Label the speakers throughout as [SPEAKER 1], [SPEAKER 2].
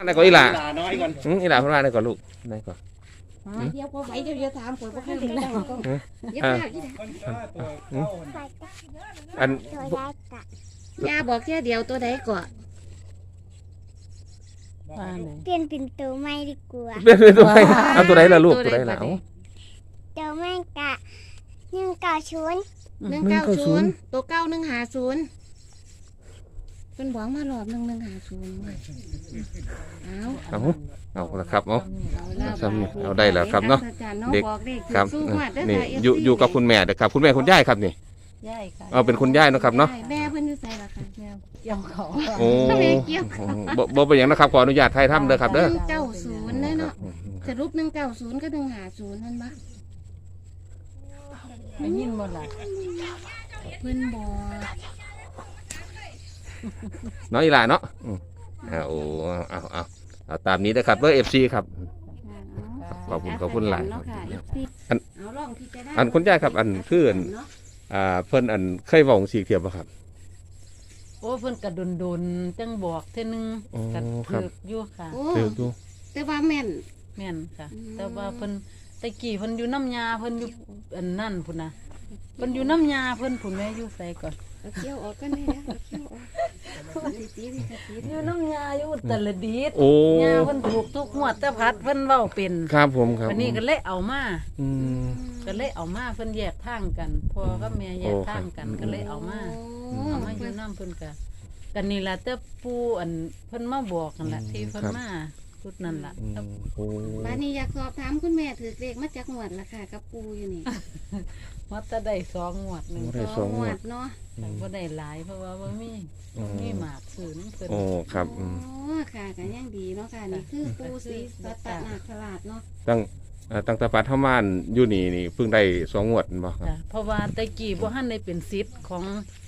[SPEAKER 1] อะไรก่อนอีหล่า
[SPEAKER 2] น้อยก่อน
[SPEAKER 1] อีหล่าพูดว่าอะไรก่อนลูกอะไรก่อน
[SPEAKER 3] เดี๋ยวพอไหวเดี๋ยวจะถามผมว่าข้างหลังก็เดี๋ยวข้าง
[SPEAKER 1] อัน
[SPEAKER 3] ยาบอกแค่เดียวตัวใดก่อน
[SPEAKER 4] เปลี่ยนเป็นตัวใหม่ดีกว่า
[SPEAKER 1] เป็นตัวไหนเอาตัวไหนล่ะลูกตัวไหนล่ะ
[SPEAKER 4] ตัวใหม่กะ
[SPEAKER 3] 190ตัว9150เป็นบอกมารอบ1150
[SPEAKER 1] เอาละครับเอาได้แล้วครับเนาะเด็กครับนี่อยู่กับคุณแม่เด็กครับคุณแม่คุณย่ายครับนี่
[SPEAKER 3] ย่ายค่ะ
[SPEAKER 1] เอาเป็นคุณย่ายนะครับเนาะ
[SPEAKER 3] แม่เพิ่นอยู่ไสล่ะค่ะเกี่ยวเขา
[SPEAKER 1] โอ้บ่เป็นอย่างนะครับขออนุญาตไทยทำเด้อครับเด้อ
[SPEAKER 3] 190เนาะสรุป190ก็150นั่นบ่
[SPEAKER 5] ได้ยินบ่ล่ะ
[SPEAKER 3] เพิ่นบอก
[SPEAKER 1] น้อยอีหล่าเนาะเอาตามนี้นะครับเบอร์ FC ครับขอบคุณหลายอันคุณย่าครับอันคือเพิ่นอันเคยบอกสีเทียบป่ะครับ
[SPEAKER 5] โอ้เพิ่นกระดุนจังบอกเท่นึงกระถืออยู่ค่ะ
[SPEAKER 1] ถืออยู่
[SPEAKER 3] แต่ว่าแม่
[SPEAKER 5] นค่ะแต่ว่าเพิ่นตะกี้เพิ่นอยู่น้ำยาเพิ่นอยู่อันนั่นพุ่นนะเพิ่นอยู่น้ำยาเพิ่นพุ่นแม่อยู่ใส่ก่อน
[SPEAKER 3] เคี่ยวออกกันได้แล้วเคี่ยวออก
[SPEAKER 5] อยู่น้ำยาอยู่ตะละดีดยาเพิ่นถูกทุกงวดแต่พัดเพิ่นเว้าเป็น
[SPEAKER 1] ครับผมครับ
[SPEAKER 5] วันนี้ก็เลยเอามาเพิ่นแยกทางกันพ่อกับแม่แยกทางกันก็เลยเอามาอยู่น้ำเพิ่นกันนี่ล่ะแต่ปู่อันเพิ่นมาบอกกันล่ะที่เพิ่นมาชุดนั่นล่ะ
[SPEAKER 3] บ้านนี้อยากสอบถามคุณแม่ถือเลขมาจากงวดล่ะค่ะกับปู่อยู่นี่
[SPEAKER 5] ว่าจะได้2 งวดนึง
[SPEAKER 3] 2 งวดเนาะ
[SPEAKER 5] บ่ได้หลายเพราะว่าบ่มีหมากซื้อนั่นเพิ่น
[SPEAKER 1] โอ้ครับ
[SPEAKER 3] ค่ะก็ยังดีเนาะค่ะนี่คือปู่ศรีสัตนาคราชเนาะ
[SPEAKER 1] ตั้งแต่ปัทมานอยู่นี่เพิ่งได้2 งวดบ่ครับ
[SPEAKER 5] เพราะว่าตะกี้บ่ทันได้เป็นศิษย์ของ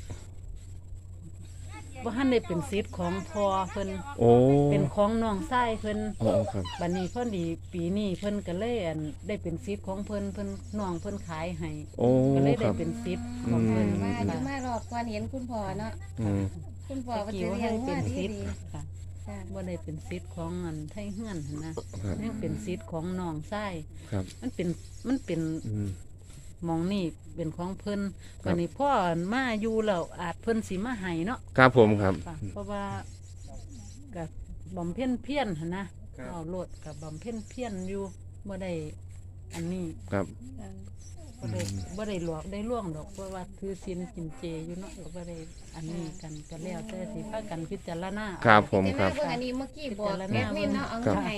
[SPEAKER 5] พ่อเพิ่นเป็นของน้องชายเพิ่นบัดนี้พอดีปีนี้เพิ่นก็เลยได้เป็นศิษย์ของเพิ่นน้องเพิ่นขายให้ก็เลยได้เป็นศิษย์ของเพิ่น
[SPEAKER 3] มารอบก่อนเห็นคุณพ่อเนาะคุณพ่อว่าจะเรียนว่าที่ดี
[SPEAKER 5] ค่ะบ่ได้เป็นศิษย์ของไทเฮือนนะนี่เป็นศิษย์ของน้องชายมันเป็นมองนี่เป็นของเพิ่นวันนี้พ่อมาอยู่แล้วอาจเพิ่นสิมาให้เนาะ
[SPEAKER 1] ครับผมครับ
[SPEAKER 5] เพราะว่ากับบำเพ็ญเพียรนะเอาโลดกับบำเพ็ญเพียรอยู่บ่ได้อันนี้
[SPEAKER 1] ครับ
[SPEAKER 5] บ่ได้หลอกได้ล่วงดอกเพราะว่าถือศีลกินเจอยู่เนาะบ่ได้อันนี้กันก็แล้วแต่สิพากันพิจารณา
[SPEAKER 1] ครับผมครับ
[SPEAKER 3] อันนี้เมื่อกี้บอกแอดมินเนาะเอาเงินให้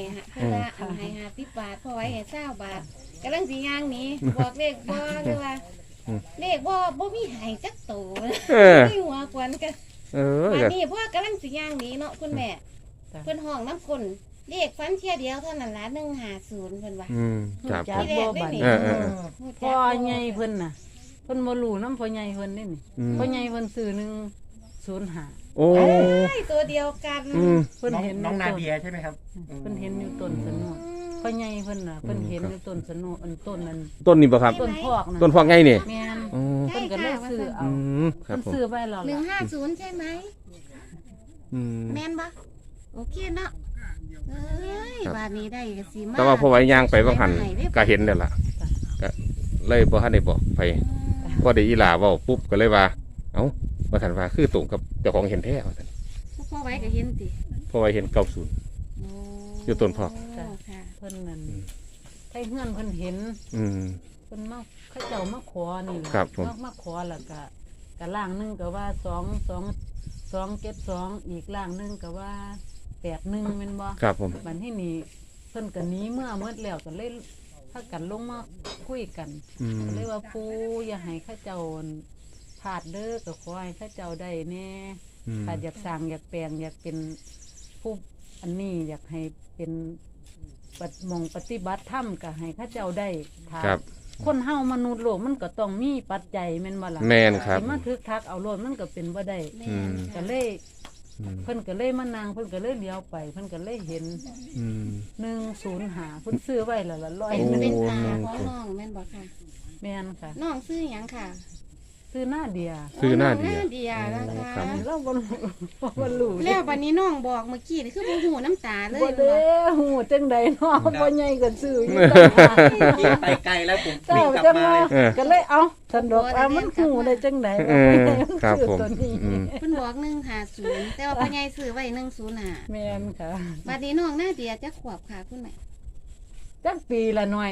[SPEAKER 3] 50 บาทพอไว้ให้20 บาทกำลังสิย่างนี้บอกเลขบ่หรือว่าเลขบ่มีให้จักโตมีหัวควันกันอันนี้พ่อกำลังสิย่างนี้เนาะคุณแม่เพิ่นห้องน้ำก้นเลขฟันเที่ยเดียวเท่านั้นละ150เพิ่นว่า
[SPEAKER 1] ครับ
[SPEAKER 3] ที่แรกได้นี่
[SPEAKER 5] พ่อใหญ่เพิ่นน่ะเพิ่นบ่รู้นำพ่อใหญ่เพิ่นนี่พ่อใหญ่เพิ่นซื้อ105
[SPEAKER 1] โอ้
[SPEAKER 3] ยตัวเดียวกัน
[SPEAKER 2] เพิ่นเห็นน้องนาเดียใช่ไหมครับ
[SPEAKER 5] เพิ่นเห็นอยู่ต้นสนุพ่อใหญ่เพิ่นน่ะเพิ่นเห็นอยู่ต้นสนุต้นนั้น
[SPEAKER 1] ต้นนี้บ่ครับ
[SPEAKER 5] ต้นพอกน่ะ
[SPEAKER 1] ต้นพอกไงนี่
[SPEAKER 5] แม่นเพิ่นก็เลยซื้อเอาเพิ่นซื้อไว้แล้ว
[SPEAKER 3] 150ใช่ไหมแม่นบ่โอเคเนาะบาทนี้ได้ก็สิมา
[SPEAKER 1] แต่ว่าพอไว้ย่างไปบางหันก็เห็นแล้วล่ะก็เลยบ่ทันได้บอกไปพอได้อีหล่าเว้าปุ๊บก็เลยว่าเอ้าว่าซั่นว่าคือตรงกับเจ้าของเห็นแท้ว่าซั่น
[SPEAKER 3] พอไว้ก็เห็นติ
[SPEAKER 1] พอไว้เห็น90อยู่ต้นพอก
[SPEAKER 5] เพิ่นนั่นไทเฮือนเพิ่นเห็นเพิ่นมาเขาเจ้ามาขอนี่มาขอแล้วก็ล่างนึงก็ว่า272อีกล่างนึงก็ว่า81แม่นบ่
[SPEAKER 1] ครับผม
[SPEAKER 5] บัดนี้นี่เพิ่นก็หนีเมื่อหมดแล้วก็เลยพากันลงมาคุยกันเลยว่าปู่อย่าให้เขาเจ้าพลาดเด้อก็ขอให้เขาเจ้าได้แน่ถ้าอยากสร้างอยากแปลงอยากเป็นผู้อันนี้อยากให้เป็นปฏิบัติธรรมก็ให้เขาเจ้าได้
[SPEAKER 1] ครับ
[SPEAKER 5] คนเฮามนุษย์โลกมันก็ต้องมีปัจจัยแม่นบ่ล่ะ
[SPEAKER 1] แม่นครับ
[SPEAKER 5] สิมาทึกทักเอาโลดมันก็เป็นบ่ได้ก็เลยเพิ่นก็เลยมานั่งเพิ่นก็เลยเลี้ยวไปเพิ่นก็เลยเห็น105เพิ่นซื้อไว้แล้วละ100
[SPEAKER 3] เป็นตาของน้องแม่นบ่ค่ะ
[SPEAKER 5] แม่นค่ะ
[SPEAKER 3] น้องซื้อหยังค่ะ
[SPEAKER 5] ซซื้อหน้าเดีย
[SPEAKER 1] ซื้อหน้าเดีย
[SPEAKER 3] เดียนะคะ
[SPEAKER 1] ครับ
[SPEAKER 5] เราบ่รู้
[SPEAKER 3] แล้ววันนี้น้องบอกเมื่อกี้นี่คือบ่หูน้ำตาเลย
[SPEAKER 5] บ่ได้หูจังใดเนาะบ่ใหญ่ก็ซื้ออยู่
[SPEAKER 2] ไปไกลแล้วผม
[SPEAKER 5] เจ้า
[SPEAKER 2] วิ่งกลับ
[SPEAKER 5] จัง
[SPEAKER 2] มา
[SPEAKER 5] ว่า
[SPEAKER 2] เลย
[SPEAKER 5] ก็เลยเอาสันดอกมันหูได้จังใด
[SPEAKER 1] ครับ
[SPEAKER 5] ซื้อ
[SPEAKER 1] ผม
[SPEAKER 5] ตัวนี้
[SPEAKER 3] เพิ่นบอก150แต่ว่าพ่อใหญ่ซื้อไว้105
[SPEAKER 5] แม่นค่ะ
[SPEAKER 3] บัดนี้น้องหน้าเดียจักขวบค่ะคุณแม่
[SPEAKER 5] จักปีละหน่อย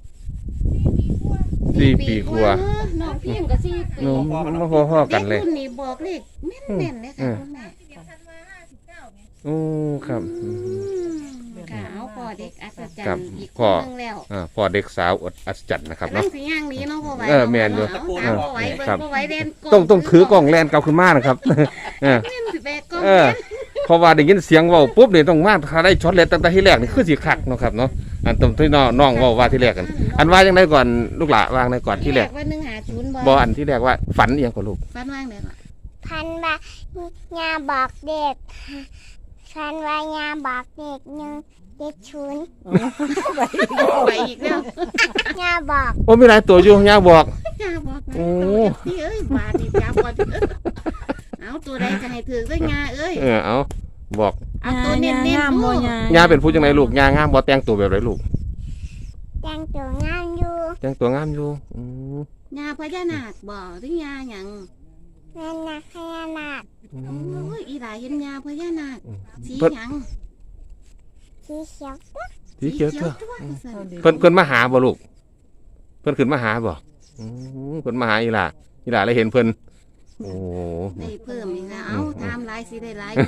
[SPEAKER 1] 4 ปีกว่า
[SPEAKER 3] น้องเพียงก็4 ปี
[SPEAKER 1] โน้มันมาพอๆกันเลย
[SPEAKER 3] ด็รุ่นนี้บอกเลขแม่นๆเลยค่ะคุณแม่
[SPEAKER 1] โอ้ครับอืม
[SPEAKER 3] ค่ะเอาพ่อเด็กอัศจร
[SPEAKER 1] ครั
[SPEAKER 3] ร
[SPEAKER 1] บ
[SPEAKER 3] ย์อีกค
[SPEAKER 1] พ่อ
[SPEAKER 3] นนึงแล้ว
[SPEAKER 1] พ่อเด็กสาวอัศจรรย์นะครับ
[SPEAKER 3] กำลั
[SPEAKER 1] เนาะ
[SPEAKER 3] งสิย่างหนี้เนาะพ่อไหว
[SPEAKER 1] แม่นอยู่
[SPEAKER 3] เอาตามพ่อไหวเบิ่ง
[SPEAKER 1] ครับ
[SPEAKER 3] พ่อไหวเล่น
[SPEAKER 1] ต้องถือกล่องแลนกลับขึ้นมานะครับ เออ
[SPEAKER 3] เล่นสิแบกกล้อง
[SPEAKER 1] เออเพราะว่าได้ยินเสียงเว้าปุ๊บนี่ต้องมาถ้าได้ช็อตเลนตั้งแต่ที่แรกนี่คือสิคักเนาะครับเนาะอันตรงที่น้องเว้าว่าที่แรกกัน อันว่าจังไดก่อนลูกหลานวางในก่อนที่แรก
[SPEAKER 3] ว่า150
[SPEAKER 1] บ่อันที่แรกว่าฝันอีหยังก่อนลูก
[SPEAKER 3] ฟันว่างได้ก่อน
[SPEAKER 4] พันว่ายาบอกเด็กพันว่ายาบอกเด็กเด็กชุน
[SPEAKER 3] ไปอีกแล้ว
[SPEAKER 4] ยาบอก
[SPEAKER 1] โอ้มีหลายตัวอยู่ย่าบอก
[SPEAKER 3] จ้าบอก
[SPEAKER 1] โอ้
[SPEAKER 3] พี่เอ้ยบาดนี่จ้าบอกเอาตัวใดก็ให้ถือด้วยงาเอ้ย
[SPEAKER 1] เอาบอก
[SPEAKER 3] เอาตัวเน้นๆ
[SPEAKER 5] งาม
[SPEAKER 3] ดู
[SPEAKER 5] บ่ยา
[SPEAKER 1] ย่าเป็นผู้จังไดลูกย่างามบ่แต่งตัวแบบไรลูก
[SPEAKER 4] แต่งตัวงามอยู่
[SPEAKER 1] แต่งตัวงามอยู่อืม
[SPEAKER 3] งาพญานาคบ่หรืองาหยัง
[SPEAKER 4] แม่นักพญานาค
[SPEAKER 1] อื
[SPEAKER 3] โอ้
[SPEAKER 1] ม
[SPEAKER 3] ยอีหลายเห็นงาพญานาค
[SPEAKER 1] อืม
[SPEAKER 3] สีหยัง
[SPEAKER 4] สีเขียว
[SPEAKER 1] สีเขียวตัว
[SPEAKER 3] ตัวสั่น
[SPEAKER 1] เพิ่นมาหาบ่ลูกเพิ่นขึ้นมาหาบ่อืมเพิ่นมาหาอีหล่าเลยเห็นเพิ่นโอ้
[SPEAKER 3] ได้เพิ่มอีกแล้วเอาตามหลายสิได้หลายคน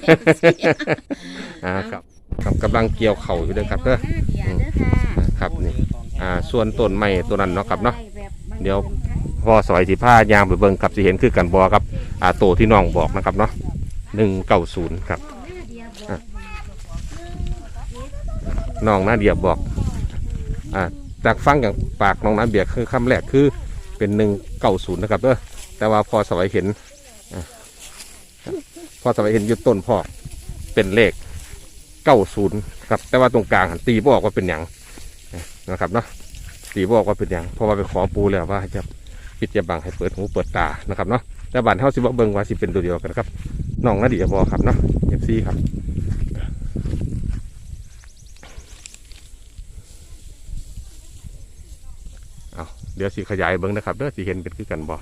[SPEAKER 1] ครับครับกำลังเกี่ยวเข่าอยู่เด้อครับเด้อ
[SPEAKER 3] หน้าเดียเด้อค่ะ
[SPEAKER 1] ครับนี่ส่วนต้นไม้ตัวนั้นเนาะครับเนาะเดี๋ยวพ่อสอยสิพายางไปเบิ่งครับสิเห็นคือกันบ่ครับโตที่น้องบอกนะครับเนาะ190ครับน้องนาเดียบอกจากฟังจากปากน้องนาเดียคือคำแรกคือเป็น190นะครับเด้อแต่ว่าพอสอยเห็นพอสอยเห็นอยู่ต้นพ่อเป็นเลข90ครับแต่ว่าตรงกลางหันตีบอกว่าเป็นหยังนะครับเนาะตีบอกว่าเป็นหยังเพราะว่าไปขอปูแล้วว่าจะปิดจะบังให้เปิดหูเปิดตานะครับเนาะแต่บ้านเฮาสิบ่เบิ่งว่าสิเป็นตัวเดียวกันครับน้องนาเดียบอกครับเนาะ FC ครับเอาเดี๋ยวสิขยายเบิ่งนะครับเด้อสิเห็นเป็นคือกันบ่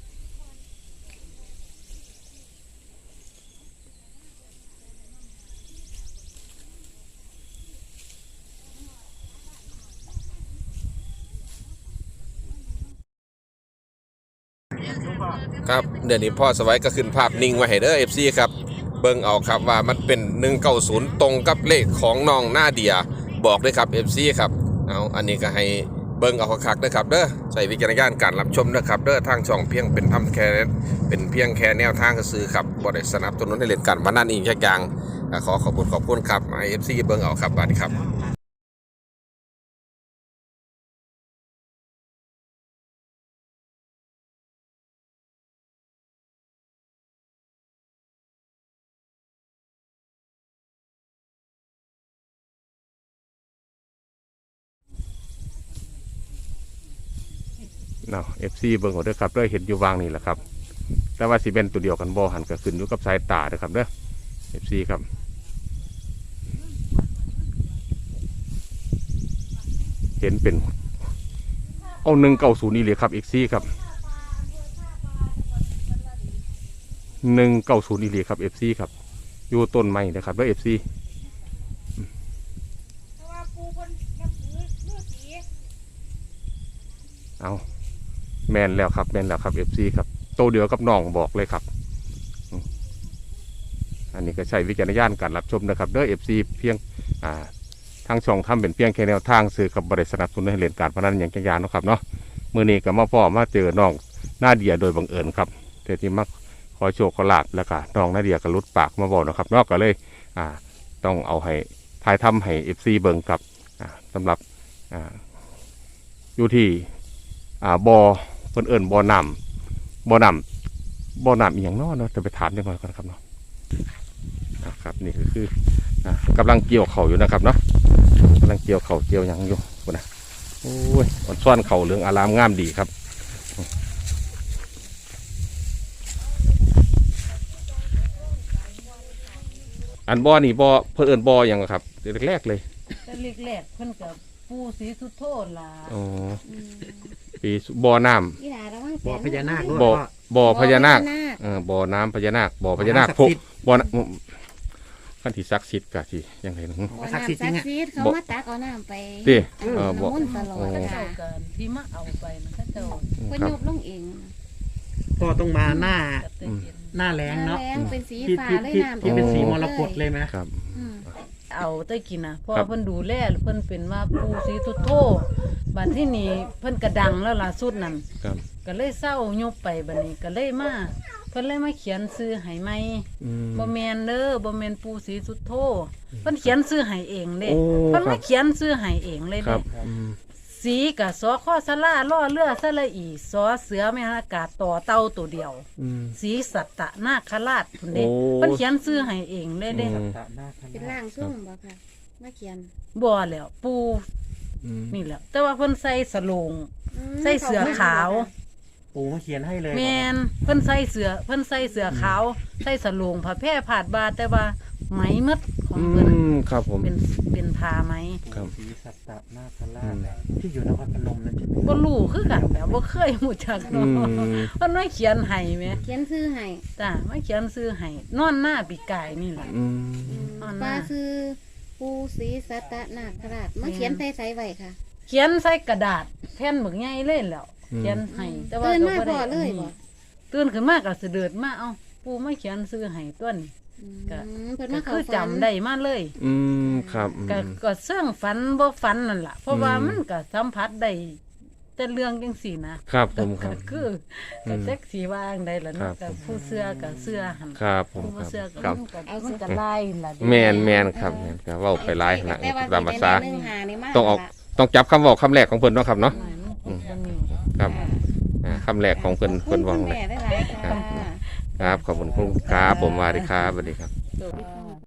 [SPEAKER 1] ครับเดี๋ยวนี้พ่อสวัยก็ขึ้นภาพนิ่งไว้ให้เด้อ FC ครับเบิ่งเอาครับว่ามันเป็น190ตรงกับเลขของน้องนาเดียบอกด้วยครับ FC ครับเอาอันนี้ก็ให้เบิ่งเอาคักๆนะครับเด้อใช้วิจารณญาณการรับชมนะครับเด้อทางช่องเพียงเป็นแค่แนวทางซื่อครับบ่ได้สนับสนุนให้เล่นการพนันอีกอย่างขอขอบคุณครับให้ FC เบิ่งเอาครับบัดนี้ครับเนาะ FC เบิ่งเอาเด้อครับเด้อเห็นอยู่วางนี่แหละครับแต่ว่าสิเป็นตัวเดียวกันบ่หันก็ขึ้นอยู่กับสายตาเด้อครับเด้อ FC ครับเห็นเป็นเอา190นี่เลยครับ FC ครับ190นี่เลยครับ FC ครับอยู่ต้นไม้นะครับเด้อ FC เอาแมนแล้วครับFC ครับโตเดียวกับน้องบอกเลยครับอันนี้ก็ใช้วิจารณญาณการรับชมนะครับเด้อ FC เพียงทางช่องทำเป็นเพียงแค่แนวทางสื่อกับบริษัทสนับสนุนให้เล่นการพนันอย่างจังยานนะครับเนาะมื้อนี้ก็มาพ่อมาเจอน้องนาเดียโดยบังเอิญครับแต่ที่มักขอโชคขอลาภแล้วก็น้องนาเดียก็ลุดปากมาบอกนะครับนอกก็เลยต้องเอาให้ทายทำให้ FC เบิ่งครับสำหรับอยู่ที่บ่อเพิ่นเอิ้นบ่อน้ำอีหยังเนาะจะไปถามจังหน่อยก่อนครับเนาะครับนี่ก็คือกำลังเกี่ยวเข่าอยู่นะครับเนาะกำลังเกี่ยวเข่าเกี่ยวหยังอยู่นะโอ้ยมันซ่อนเข่าเหลืองอารามงามดีครับอันบ่อนี่บ่อเพิ่นเอิ้นบ่อหยังครับแรกๆเลย
[SPEAKER 5] แต่แรกๆเพิ่นก็ปู่ศรีสุโธล่ะ
[SPEAKER 1] อ๋อ
[SPEAKER 3] อืม
[SPEAKER 1] ปีบ่อน้ำ
[SPEAKER 3] อีหลาระวัง
[SPEAKER 2] บ่อพญานาคด้วย
[SPEAKER 1] บ่อ
[SPEAKER 2] พ่อ
[SPEAKER 1] บ่อพญานาค
[SPEAKER 3] บ่อพญานาค
[SPEAKER 1] บ่อน้ำพญานาคบ่อพญานาค
[SPEAKER 2] บ่อน้ำศักดิ์สิทธิ์
[SPEAKER 1] บ่อน้ำคันที่ศักดิ์สิทธิ์ก็สิยังไงนะ
[SPEAKER 3] บ่อ
[SPEAKER 2] ศักดิ์สิทธิ์จริงอะ
[SPEAKER 3] น้ำศักดิ์สิทธิ์เขามาตักเอาน้ำไป
[SPEAKER 1] ติ
[SPEAKER 3] น้ำ
[SPEAKER 1] บ่
[SPEAKER 3] มนต์ตลอด
[SPEAKER 5] เขา
[SPEAKER 3] ค่ะ
[SPEAKER 5] เจ้ากันที่มาเอาไปนะเขาเจ้า
[SPEAKER 3] เพิ่นยกลงเอง
[SPEAKER 2] ก็ต้องมาหน้า
[SPEAKER 5] ก็ได้เห็น
[SPEAKER 2] หน้าแรงเนาะ
[SPEAKER 3] แรงเป็นสี
[SPEAKER 2] ที่
[SPEAKER 3] ฟ้า
[SPEAKER 2] ที่
[SPEAKER 3] เลย
[SPEAKER 2] ที่
[SPEAKER 3] น้ำ
[SPEAKER 2] ที่เป็นสีมรกตเลยไหม
[SPEAKER 1] ครับ
[SPEAKER 3] อืม
[SPEAKER 5] เอาได้กินนะเพราะ
[SPEAKER 1] ครับ
[SPEAKER 5] เพิ่นดูแลเพิ่นเป็นว่าปู่ศรีสุโธบัดที่นี่เพิ่นก็ดังแล้วล่ะสุดนั้น
[SPEAKER 1] ครับ
[SPEAKER 5] ก็เลยเศร้ายบไปบัดนี้ก็เลยมาเพิ่นเลยมาเขียนซื้อให้ใหม่
[SPEAKER 1] อืม
[SPEAKER 5] บ่แม่นเด้อบ่แม่นปู่ศรีสุโธเพิ่นเขียนซื้อให้เองเด้
[SPEAKER 1] โอ้
[SPEAKER 5] เพิ่น
[SPEAKER 1] ครั
[SPEAKER 5] มา
[SPEAKER 1] บ
[SPEAKER 5] เขียนซื้อให้เองเลย
[SPEAKER 1] ครั
[SPEAKER 5] เด้
[SPEAKER 1] บอืม
[SPEAKER 5] สีกับสอข้อสลาล่อเรือสละอีสอเสือแม่นอากาศต่อเต่าตัวเดียว
[SPEAKER 1] อืม
[SPEAKER 5] สีสัตตะนาคราชพุ่นเด้
[SPEAKER 1] โอ้
[SPEAKER 5] เพิ่นเขียนซื้อให้เองเลยเด้
[SPEAKER 1] อืม
[SPEAKER 3] เป็นร่างทรงบ่ค่ะมาเขียน
[SPEAKER 5] บ่แล้วปู่
[SPEAKER 1] อืม
[SPEAKER 5] นี่แหละแต่ว่าเพิ่นใส่สโลง
[SPEAKER 3] อืม
[SPEAKER 5] ใส่เสื้อขาว
[SPEAKER 2] ปู่มาเขียนให้เลย
[SPEAKER 5] แม่นเพิ่นใส่เสื้อขาวใส่สโลงผ้าแพร่ผาดบาแต่ว่าไหมหมดของ
[SPEAKER 1] อื
[SPEAKER 5] เพิ่น
[SPEAKER 1] มครับผม
[SPEAKER 5] เป็นผ้าไหม
[SPEAKER 1] ครับ
[SPEAKER 2] ศรีสัตตนาคราชที่อยู่นครพนมนั่นใช่ไหม
[SPEAKER 5] บ่รู้คือกันแบบบ่เคยรู้จัก
[SPEAKER 1] อื
[SPEAKER 5] เนาะ
[SPEAKER 1] ม
[SPEAKER 5] เพิ่นมาเขียนให้แหม
[SPEAKER 3] เขียนชื่อให้
[SPEAKER 5] จ้ามาเขียนซื้อให้นอนหน้าปีกายนี่แหละ
[SPEAKER 1] อืม
[SPEAKER 5] อ่อนมาก
[SPEAKER 3] ป้าคือปูศรีสัตนาคราชมาเขียนใส่ใส่ไว้ค่ะ
[SPEAKER 5] เขียนใส่กระดาษแผ่นบึกใหญ่เลยแหล้วเขียนให้แต่ว่า
[SPEAKER 3] ตื่น
[SPEAKER 5] ก็
[SPEAKER 3] มา
[SPEAKER 5] บ่
[SPEAKER 3] พ
[SPEAKER 5] ได้
[SPEAKER 3] อเลยบ่
[SPEAKER 5] ตื่นขึ้นมาก็เสด็จมาเอาปู่มาเขียนซื้อให้ต้น
[SPEAKER 3] อืม
[SPEAKER 5] ก็
[SPEAKER 3] เพิ่น
[SPEAKER 5] ก็
[SPEAKER 3] มา
[SPEAKER 5] คื
[SPEAKER 3] เข้า
[SPEAKER 5] อ
[SPEAKER 3] ฝัน
[SPEAKER 5] จำได้มาเลย
[SPEAKER 1] อืมครับอืม
[SPEAKER 5] ก็เสื่องฝันบ่ฝันนั่นล่ะเพราะว่า
[SPEAKER 1] อืม
[SPEAKER 5] มันก็สัมผัสได้แต่เรื่องจังซี่นะครับ
[SPEAKER 1] ผมครับ
[SPEAKER 5] ก็คือก็แท็กซี่ว่าจั่งใดล่ะ
[SPEAKER 1] ครั
[SPEAKER 5] เนาะ
[SPEAKER 1] บ
[SPEAKER 5] ก็ผู้เสื้อก็เสื้อหั่น
[SPEAKER 1] ครับผม
[SPEAKER 5] ผู้
[SPEAKER 1] ค
[SPEAKER 5] บ่
[SPEAKER 1] รับ
[SPEAKER 5] เสื้อก็
[SPEAKER 1] ครับ
[SPEAKER 5] มันก็ไล่ล่ะเด้
[SPEAKER 1] แมนครับแม่นก็เว้าไปหลายขนาด
[SPEAKER 3] แต่ว่า
[SPEAKER 1] ตามภาษา
[SPEAKER 3] สิได้1 5นี่มา
[SPEAKER 1] ต้องออก ต้องจับคำเว้าคำแรกของเพิ่นเนาะครับเนาะ
[SPEAKER 5] หน่อยมันเป็นนี่
[SPEAKER 1] ครับคำแรกของเพิ่น
[SPEAKER 3] ขอบ
[SPEAKER 1] เพิ่น
[SPEAKER 3] คุ
[SPEAKER 1] เว้า
[SPEAKER 3] ณ
[SPEAKER 1] เล
[SPEAKER 3] แม่
[SPEAKER 1] ย
[SPEAKER 3] ได้หลายๆค่ะ
[SPEAKER 1] ครับขอบคุณครับผมสวัสดีครับสวัสดีครับ
[SPEAKER 5] ตัว